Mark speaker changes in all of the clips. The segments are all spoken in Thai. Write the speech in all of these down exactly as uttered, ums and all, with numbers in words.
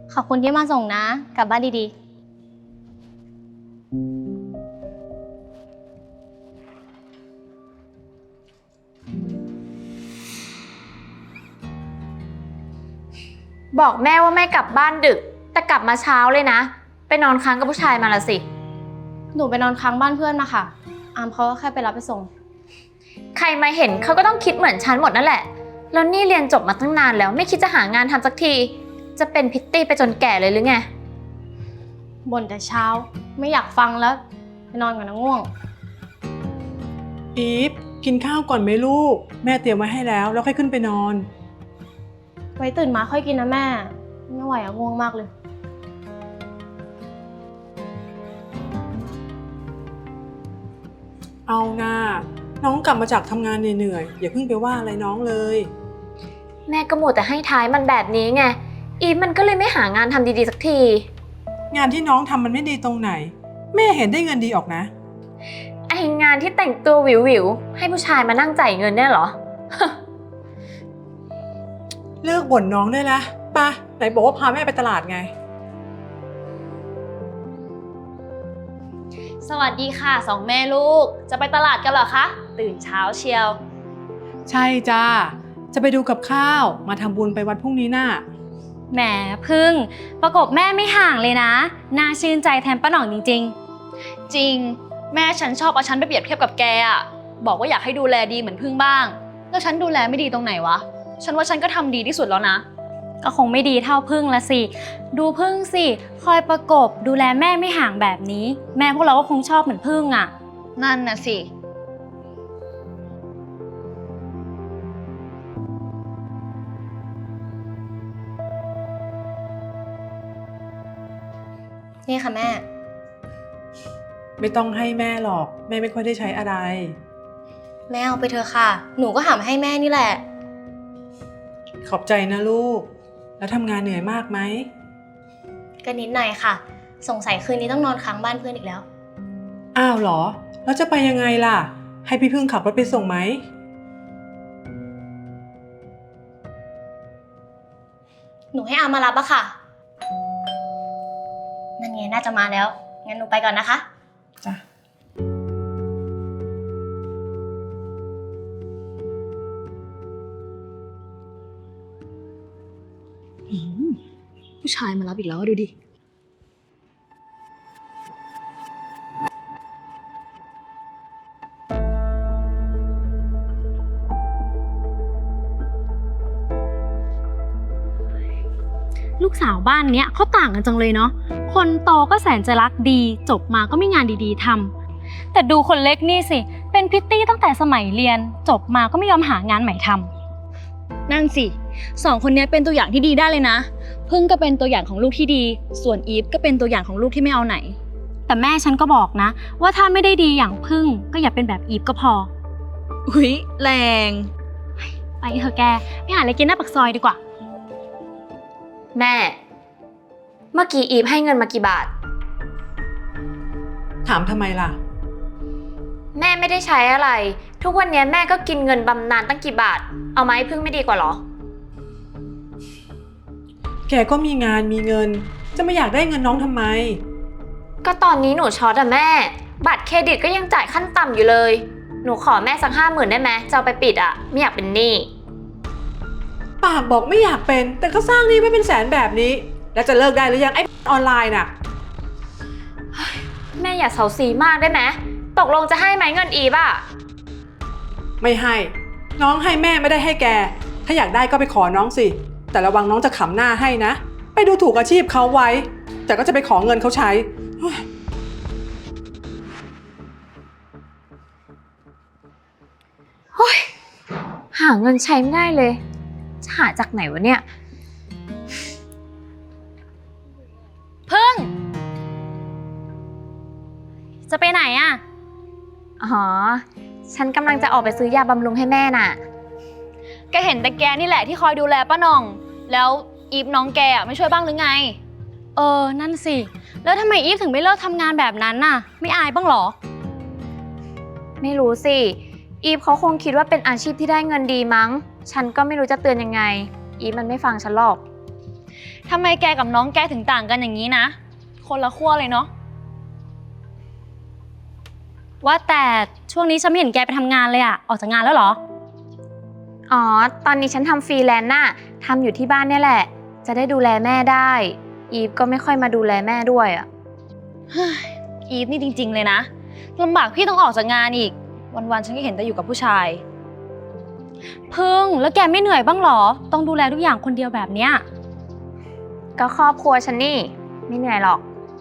Speaker 1: ขอบคุณที่มาส่งนะ กลับบ้านดี
Speaker 2: ๆบอกแม่ว่าแม่กลับบ้านดึกแต่กลับมาเช้าเลยนะไปนอนค้างกับผู้ชายมาละสิ
Speaker 1: หนูไปนอนค้างบ้านเพื่อนมาค่ะอามเขาก็แค่ไปรับไปส่ง
Speaker 2: ใครมาเห็นเขาก็ต้องคิดเหมือนฉันหมดนั่นแหละแล้วนี่เรียนจบมาตั้งนานแล้วไม่คิดจะหางานทำสักทีจะเป็นพิตตี้ไปจนแก่เลยหรือไง
Speaker 1: บ่นแต่เช้าไม่อยากฟังแล้วไปนอนก่อนนะง่วง
Speaker 3: อีฟกินข้าวก่อนไหมลูกแม่เตรียมไว้ให้แล้วแล้วค่อยขึ้นไปนอน
Speaker 1: ไว้ตื่นมาค่อยกินนะแม่ไม่ไหวอะง่วงมากเลย
Speaker 3: เอานะน้องกลับมาจากทำงานเหนื่อยๆอย่าเพิ่งไปว่าอะไรน้องเลย
Speaker 2: แม่ก็หมดแต่ให้ท้ายมันแบบนี้ไงอีฟมันก็เลยไม่หางานทำดีๆสักที
Speaker 3: งานที่น้องทำมันไม่ดีตรงไหนแม่เห็นได้เงินดีออกนะ
Speaker 2: ไองานที่แต่งตัวหวิวๆให้ผู้ชายมานั่งจ่ายเงินเนี่ยเหรอ
Speaker 3: เลิกบ่นน้องได้ละป่ะไหนบอกว่าพาแม่ไปตลาดไง
Speaker 4: สวัสดีค่ะสองแม่ลูกจะไปตลาดกันเหรอคะตื่นเช้าเชียว
Speaker 3: ใช่จ้าจะไปดูกับข้าวมาทำบุญไปวัดพรุ่งนี้น่ะ
Speaker 1: แหมพึ่งประกบแม่ไม่ห่างเลยนะน่าชื่นใจแทนป้าหน่องจริง
Speaker 4: ๆจริงแม่ฉันชอบเอาฉันไปเปรียบเทียบกับแกอะบอกว่าอยากให้ดูแลดีเหมือนพึ่งบ้างแล้วฉันดูแลไม่ดีตรงไหนวะฉันว่าฉันก็ทำดีที่สุดแล้วนะ
Speaker 1: ก็คงไม่ดีเท่าพึ่งละสิดูพึ่งสิคอยประกบดูแลแม่ไม่ห่างแบบนี้แม่พวกเราก็คงชอบเหมือนพึ่งอ่ะ
Speaker 4: นั่นน่ะสิ
Speaker 1: นี่ค่ะแม่
Speaker 3: ไม่ต้องให้แม่หรอกแม่ไม่ค่อยได้ใช้อะไร
Speaker 1: แม่เอาไปเถอะค่ะหนูก็หามาให้แม่นี่แหละ
Speaker 3: ขอบใจนะลูกแล้วทำงานเหนื่อยมากไหม
Speaker 1: ก็นิดหน่อยค่ะสงสัยคืนนี้ต้องนอนค้างบ้านเพื่อนอีกแล้ว
Speaker 3: อ้าวเหรอแล้วจะไปยังไงล่ะให้พี่พึ่งขับรถไปส่งไหม
Speaker 1: หนูให้อามารับอะค่ะนั่นไงน่าจะมาแล้วงั้นหนูไปก่อนนะคะ
Speaker 3: จ้ะ
Speaker 4: ผู้ชายมารับอีกแล้วดูดิ
Speaker 1: ลูกสาวบ้านเนี้ยเขาต่างกันจังเลยเนาะคนโตก็แสนจะรักดีจบมาก็มีงานดีๆทำแต่ดูคนเล็กนี่สิเป็นพริตตี้ตั้งแต่สมัยเรียนจบมาก็ไม่ยอมหางานใหม่ทำ
Speaker 4: นั่นสิสองคนนี้เป็นตัวอย่างที่ดีได้เลยนะพึ่งก็เป็นตัวอย่างของลูกที่ดีส่วนอีฟก็เป็นตัวอย่างของลูกที่ไม่เอาไหน
Speaker 1: แต่แม่ฉันก็บอกนะว่าถ้าไม่ได้ดีอย่างพึ่งก็อย่าเป็นแบบอีฟก็พอ
Speaker 4: อุ๊ยแรง
Speaker 1: ไปเถอะแกไปหาอะไรกินหน้าปากซอยดีกว่า
Speaker 2: แม่เมื่อกี้อีฟให้เงินมากี่บาท
Speaker 3: ถามทำไมล่ะ
Speaker 2: แม่ไม่ได้ใช้อะไรทุกวันนี้แม่ก็กินเงินบำนาญตั้งกี่บาทเอาไหมพึ่งไม่ดีกว่าหรอ
Speaker 3: แกก็มีงานมีเงินจะไม่อยากได้เงินน้องทำไม
Speaker 2: ก็ตอนนี้หนูช็อตอะแม่บัตรเครดิตก็ยังจ่ายขั้นต่ำอยู่เลยหนูขอแม่สักห้าหมื่นได้ไหมจะเอาไปปิดอะไม่อยากเป็นหนี้
Speaker 3: ปากบอกไม่อยากเป็นแต่ก็สร้างหนี้ไม่เป็นแสนแบบนี้แล้วจะเลิกได้หรือยังไอ้ออนไลน์น่ะ
Speaker 2: แม่อย่าเซาซีมากได้ไหมตกลงจะให้ไหมเงินอีฟอะ
Speaker 3: ไม่ให้น้องให้แม่ไม่ได้ให้แกถ้าอยากได้ก็ไปขอน้องสิแต่ระวังน้องจะขำหน้าให้นะไปดูถูกอาชีพเขาไว้แต่ก็จะไปขอเงินเขาใช้
Speaker 2: โอ้ยหาเงินใช้ไม่ได้เลยจะหาจากไหนวะเนี่ย
Speaker 1: พึ่งจะไปไหนอะ
Speaker 2: อ๋อฉันกำลังจะออกไปซื้อยาบำรุงให้แม่น่ะ
Speaker 4: แกเห็นแต่แกนี่แหละที่คอยดูแลป้าหน่องแล้วอีฟน้องแกอ่ะไม่ช่วยบ้างหรือไง
Speaker 1: เออนั่นสิแล้วทำไมอีฟถึงไม่เลิกทำงานแบบนั้นน่ะไม่อายบ้างหรอ
Speaker 2: ไม่รู้สิอีฟเขาคงคิดว่าเป็นอาชีพที่ได้เงินดีมั้งฉันก็ไม่รู้จะเตือนยังไงอีฟมันไม่ฟังฉันหรอก
Speaker 4: ทำไมแกกับน้องแกถึงต่างกันอย่างนี้นะ คนละขั้วเลยเนาะ
Speaker 1: ว่าแต่ช่วงนี้ฉันไม่เห็นแกไปทำงานเลยอะออกจากงานแล้วเหรอ
Speaker 2: อ๋อ ตอนนี้ฉันทำฟรีแลนซ์น่ะทำอยู่ที่บ้านเนี่ยแหละ จะได้ดูแลแม่ได้ อีฟก็ไม่ค่อยมาดูแลแม่ด้วยอะ
Speaker 4: อีฟนี่จริงๆเลยนะลำบากพี่ต้องออกจากงานอีก วันๆฉันก็เห็นแต่อยู่กับผู้ชาย
Speaker 1: พึ่งแล้วแกไม่เหนื่อยบ้างเหรอ ต้องดูแลทุกอย่างคนเดียวแบบเนี้ย
Speaker 2: ก็ครอบครัวฉันนี่ ไม่เหนื่อยหรอก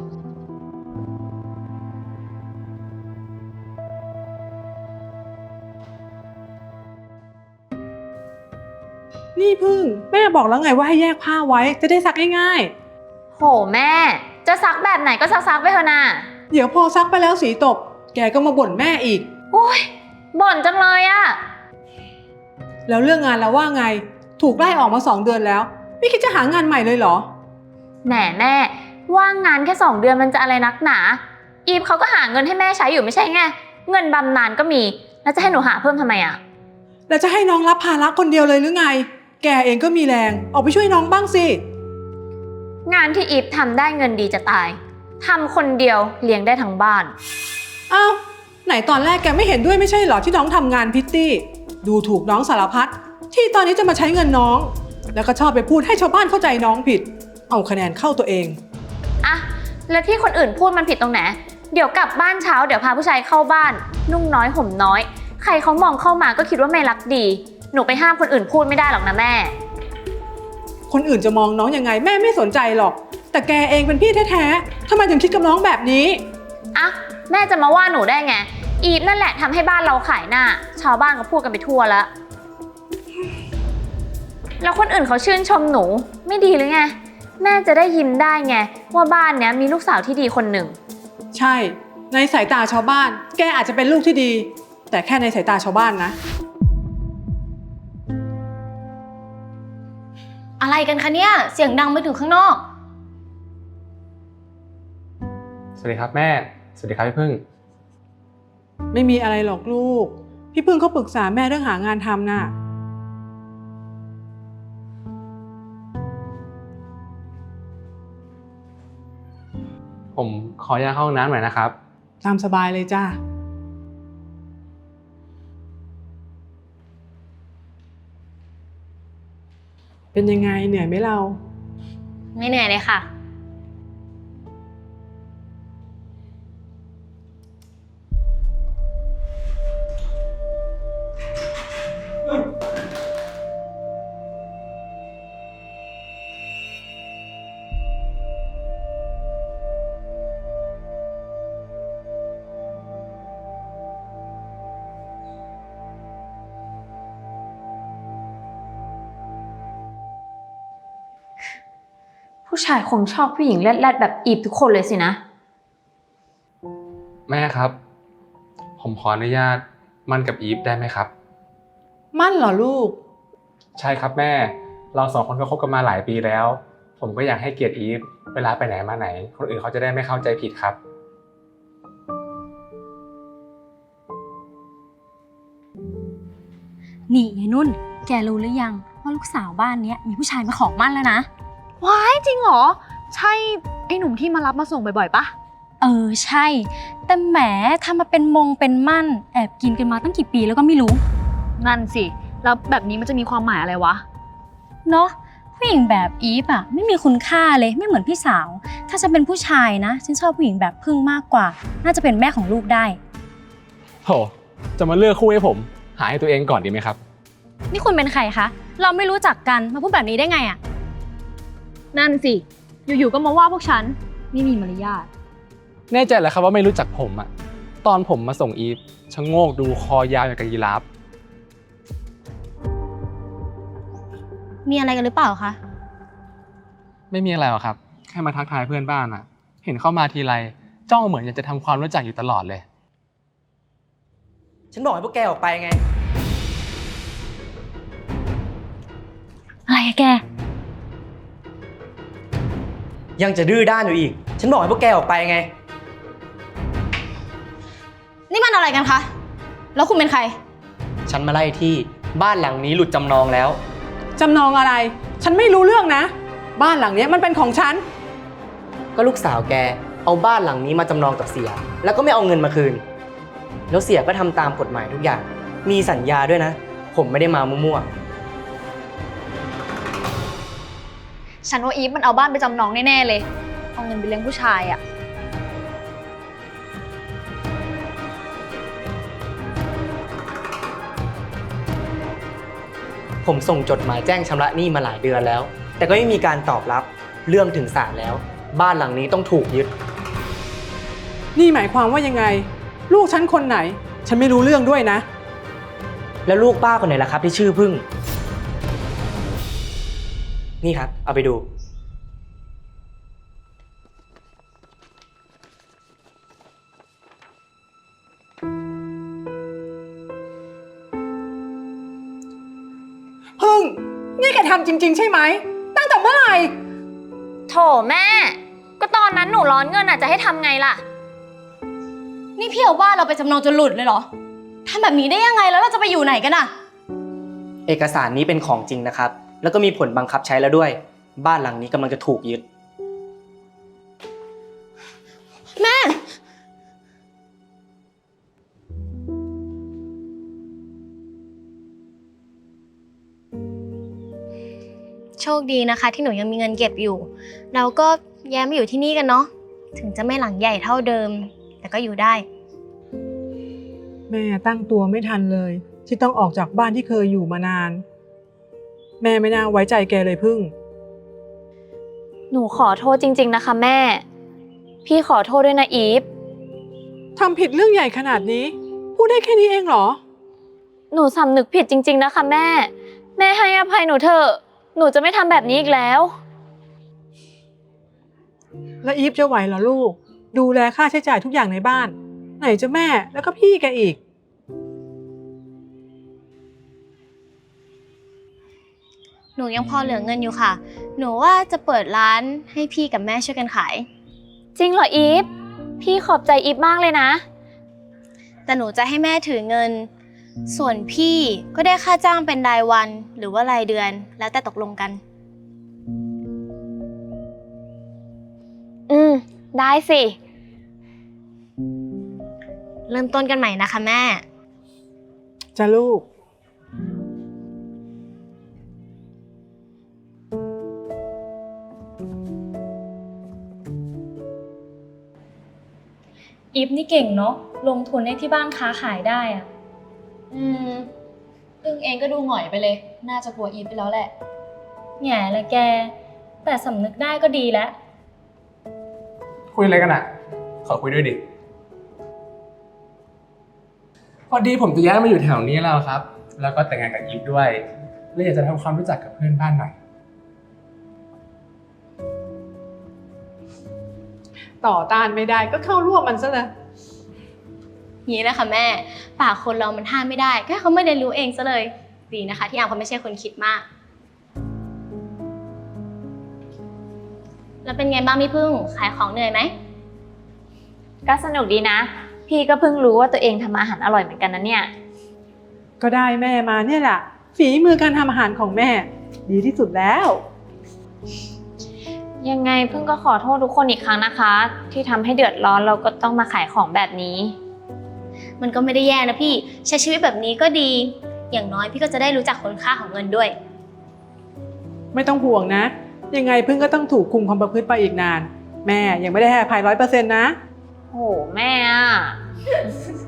Speaker 3: นี่พึ่งแม่บอกแล้วไงว่าให้แยกผ้าไว้จะได้ซักง่าย
Speaker 2: โหแม่ จะซักแบบไหนก็ซักๆไปเถอะน่ะ
Speaker 3: ๆเดี๋ยวพอซักไปแล้วสีตก แกก็มาบ่นแม่อีก
Speaker 2: โอ้ยบ่นจังเลยอะ
Speaker 3: แล้วเรื่องงานแล้วว่าไงถูกไล่ออกมาสองเดือนแล้วไม่คิดจะหางานใหม่เลยเหรอ
Speaker 2: แหมแม่ว่างงานแค่สองเดือนมันจะอะไรนักหนา อีฟเขาก็หาเงินให้แม่ใช้อยู่ไม่ใช่ไง เงินบำนาญก็มี แล้วจะให้หนูหาเพิ่มทำไมอะ
Speaker 3: แล้วจะให้น้องรับภาระคนเดียวเลยหรือไง แกเองก็มีแรงออกไปช่วยน้องบ้างสิ
Speaker 2: งานที่อีฟทำได้เงินดีจะตายทำคนเดียวเลี้ยงได้ทั้งบ้าน
Speaker 3: อ้าวไหนตอนแรกแกไม่เห็นด้วยไม่ใช่เหรอที่น้องทำงานพิตตี้ดูถูกน้องสารพัดที่ตอนนี้จะมาใช้เงินน้อง แล้วก็ชอบไปพูดให้ชาวบ้านเข้าใจน้องผิด เอาคะแนนเข้าตัวเอง
Speaker 2: อะแล้วที่คนอื่นพูดมันผิดตรงไหน เดี๋ยวกลับบ้านเช้าเดี๋ยวพาผู้ชายเข้าบ้าน นุ่งน้อยห่มน้อย ใครเขามองเข้ามาก็คิดว่าไม่รักดี หนูไปห้ามคนอื่นพูดไม่ได้หรอกนะแม่
Speaker 3: คนอื่นจะมองน้องยังไงแม่ไม่สนใจหรอก แต่แกเองเป็นพี่แท้ๆทำไมถึงคิดกับน้องแบบนี้
Speaker 2: อะแม่จะมาว่าหนูได้ไง อีฟนั่นแหละทำให้บ้านเราขายหน้า ชาวบ้านก็พูดกันไปทั่วแล้ว แล้วคนอื่นเขาชื่นชมหนูไม่ดีหรือไง แม่จะได้ยิ้มได้ไงว่าบ้านเนี้ยมีลูกสาวที่ดีคนหนึ่ง
Speaker 3: ใช่ ในสายตาชาวบ้าน แกอาจจะเป็นลูกที่ดี แต่แค่ในสายตาชาวบ้านนะ
Speaker 1: อะไรกันคะเนี่ยเสียงดังไปถึงข้างนอก
Speaker 5: สวัสดีครับแม่ สวัสดีครับพี่พึ่ง
Speaker 3: ไม่มีอะไรหรอกลูก พี่พึ่งเขาปรึกษาแม่เรื่องหางานทำน่ะ
Speaker 5: ผมขออนุญาตเข้าห้องน้ำหน่อยนะครับ
Speaker 3: ตามสบายเลยจ้าเป็นยังไงเหนื่อยไหมเรา
Speaker 1: ไม่เหนื่อยเลยค่ะ
Speaker 2: ผู้ชายคงชอบผู้หญิงแรดๆแบบอีฟทุกคนเลยสินะ
Speaker 5: แม่ครับ ผมขออนุญาตมั่นกับอีฟได้ไหมครับ
Speaker 3: มั่นเหรอลูก
Speaker 5: ใช่ครับแม่ เราสองคนก็คบกันมาหลายปีแล้ว ผมก็อยากให้เกียรติอีฟเวลาไปไหนมาไหน คนอื่นเขาจะได้ไม่เข้าใจผิดครับ
Speaker 1: นี่ยายนุ่น แกรู้หรือยังว่าลูกสาวบ้านเนี้ยมีผู้ชายมาขอมั่นแล้วนะ
Speaker 4: ว้ายจริงเหรอ ใช่ไอ้หนุ่มที่มารับมาส่งบ่อยๆปะ
Speaker 1: เออใช่ แต่แหมทำมาเป็นมงเป็นมั่น แอบกินกันมาตั้งกี่ปีแล้วก็ไม่รู้
Speaker 4: นั่นสิ แล้วแบบนี้มันจะมีความหมายอะไรวะ
Speaker 1: เนาะผู้หญิงแบบอีฟอะไม่มีคุณค่าเลยไม่เหมือนพี่สาว ถ้าฉันเป็นผู้ชายนะฉันชอบผู้หญิงแบบพึ่งมากกว่า น่าจะเป็นแม่ของลูกได้
Speaker 5: โห จะมาเลือกคู่ให้ผม หาให้ตัวเองก่อนดีไหมครับ
Speaker 1: นี่คุณเป็นใครคะ เราไม่รู้จักกันมาพูดแบบนี้ได้ไงอะ
Speaker 4: นั่นสิ อยู่ๆก็มาว่าพวกฉันไม่มีมารยาท
Speaker 5: แน่ใจแล้วครับว่าไม่รู้จักผมอะตอนผมมาส่งอีฟชะโงกดูคอยาวอย่างกับยีราฟ
Speaker 1: มีอะไรกันหรือเปล่าคะ
Speaker 5: ไม่มีอะไรหรอกครับ แค่มาทักทายเพื่อนบ้านอะเห็นเข้ามาทีไรจ้องเหมือนอยากจะทำความรู้จักอยู่ตลอดเลย
Speaker 6: ฉันบอกให้พวกแกออกไปไง
Speaker 1: อะไรอะแก
Speaker 6: ยังจะดื้อด้านอยู่อีก ฉันบอกให้พวกแกออกไปไง
Speaker 1: นี่มันอะไรกันคะ แล้วคุณเป็นใคร
Speaker 6: ฉันมาไล่ที่บ้านหลังนี้หลุดจำนองแล้ว
Speaker 3: จำนองอะไร ฉันไม่รู้เรื่องนะบ้านหลังเนี้ยมันเป็นของฉัน
Speaker 6: ก็ลูกสาวแกเอาบ้านหลังนี้มาจำนองกับเสีย แล้วก็ไม่เอาเงินมาคืน แล้วเสียก็ทำตามกฎหมายทุกอย่าง มีสัญญาด้วยนะ ผมไม่ได้มามั่ว
Speaker 4: ฉันว่าอีฟมันเอาบ้านไปจำนองแน่ๆเลย เอาเงินไปเลี้ยงผู้ชายอะ
Speaker 6: ๆผมส่งจดหมายแจ้งชำระหนี้มาหลายเดือนแล้ว แต่ก็ไม่มีการตอบรับ เรื่องถึงศาลแล้ว บ้านหลังนี้ต้องถูกยึด
Speaker 3: นี่หมายความว่ายังไง ลูกฉันคนไหน ฉันไม่รู้เรื่องด้วยนะ
Speaker 6: แล้วลูกป้าคนไหนล่ะครับที่ชื่อพึ่ง นี่ครับ เอาไปดู
Speaker 3: พึ่ง นี่แกทำจริง ๆ ใช่ไหม ตั้งแต่เมื่อไหร่
Speaker 2: โถแม่ ก็ตอนนั้นหนูร้อนเงินอ่ะจะให้ทำไงล่ะ
Speaker 1: นี่พี่เอาบ้านเราไปจำนองจนหลุดเลยเหรอทำแบบนี้ได้ยังไงแล้วเราจะไปอยู่ไหนกันอะ
Speaker 6: เอกสารนี้เป็นของจริงนะครับ แล้วก็มีผลบังคับใช้แล้วด้วย บ้านหลังนี้กำลังจะถูกยึด
Speaker 1: แม่ โชคดีนะคะที่หนูยังมีเงินเก็บอยู่ เราก็ย้ายมาอยู่ที่นี่กันเนาะ ถึงจะไม่หลังใหญ่เท่าเดิม แต่ก็อยู่ได้
Speaker 3: แม่ตั้งตัวไม่ทันเลย ที่ต้องออกจากบ้านที่เคยอยู่มานาน แม่ไม่น่าไว้ใจแกเลยพึ่ง
Speaker 2: หนูขอโทษจริง ๆนะคะแม่ พี่ขอโทษด้วยนะอีฟ
Speaker 3: ทำผิดเรื่องใหญ่ขนาดนี้ พูดได้แค่นี้เองเหรอ
Speaker 2: หนูสำนึกผิดจริง ๆนะคะแม่ แม่ให้อภัยหนูเถอะ หนูจะไม่ทำแบบนี้อีกแล้ว
Speaker 3: แล้วอีฟจะไหวเหรอลูก ดูแลค่าใช้จ่ายทุกอย่างในบ้าน ไหนจะแม่แล้วก็พี่แกอีก
Speaker 1: หนูยังพอเหลือเงินอยู่ค่ะ หนูว่าจะเปิดร้านให้พี่กับแม่ช่วยกันขาย
Speaker 2: จริงเหรออีฟ พี่ขอบใจอีฟมากเลยนะ
Speaker 1: แต่หนูจะให้แม่ถือเงิน ส่วนพี่ก็ได้ค่าจ้างเป็นรายวันหรือว่ารายเดือน แล้วแต่ตกลงกัน
Speaker 2: อืม ได้สิ
Speaker 1: เริ่มต้นกันใหม่นะคะแม่
Speaker 3: จะลูก
Speaker 1: อีฟนี่เก่งเนาะ ลงทุนให้ที่บ้านค้าขายได้อะ
Speaker 4: อืมพึ่งเองก็ดูหงอยไปเลย น่าจะกลัวอีฟไปแล้วแหละ
Speaker 1: แง่ละแก แต่สำนึกได้ก็ดีแล้ว
Speaker 5: คุยอะไรกันอ่ะ ขอคุยด้วยดิ พอดีผมจะย้ายมาอยู่แถวนี้แล้วครับ แล้วก็แต่งงานกับอีฟด้วยเลยอยากจะทำความรู้จักกับเพื่อนบ้านหน่อย
Speaker 3: ต่อต้านไม่ได้ก็เข้าร่วมมันซะเลย
Speaker 1: นี้นะคะแม่ ปากคนเรามันห้ามไม่ได้แค่เขาไม่ได้รู้เองซะเลย ดีนะคะ ที่อามเขาไม่ใช่คนคิดมาก แล้วเป็นไงบ้างพี่พึ่ง ขายของเหนื่อยไหม
Speaker 2: ก็สนุกดีนะ พี่ก็เพิ่งรู้ว่าตัวเองทำอาหารอร่อยเหมือนกันนะเนี่ย
Speaker 3: ก็ได้แม่มาเนี่ยแหละ ฝีมือการทำอาหารของแม่ ดีที่สุดแล้ว
Speaker 2: ยังไงเพิ่งก็ขอโทษทุกคนอีกครั้งนะคะ ที่ทำให้เดือดร้อนเราก็ต้องมาขายของแบบนี้
Speaker 1: มันก็ไม่ได้แย่นะพี่ ใช้ชีวิตแบบนี้ก็ดี อย่างน้อยพี่ก็จะได้รู้จักคุณค่าของเงินด้วย
Speaker 3: ไม่ต้องห่วงนะ ยังไงพึ่งก็ต้องถูกคุมความประพฤติไปอีกนาน แม่ยังไม่ได้ให้อภัยร้อยเปอร์เซ็นต์นะ
Speaker 2: โหแม่อะ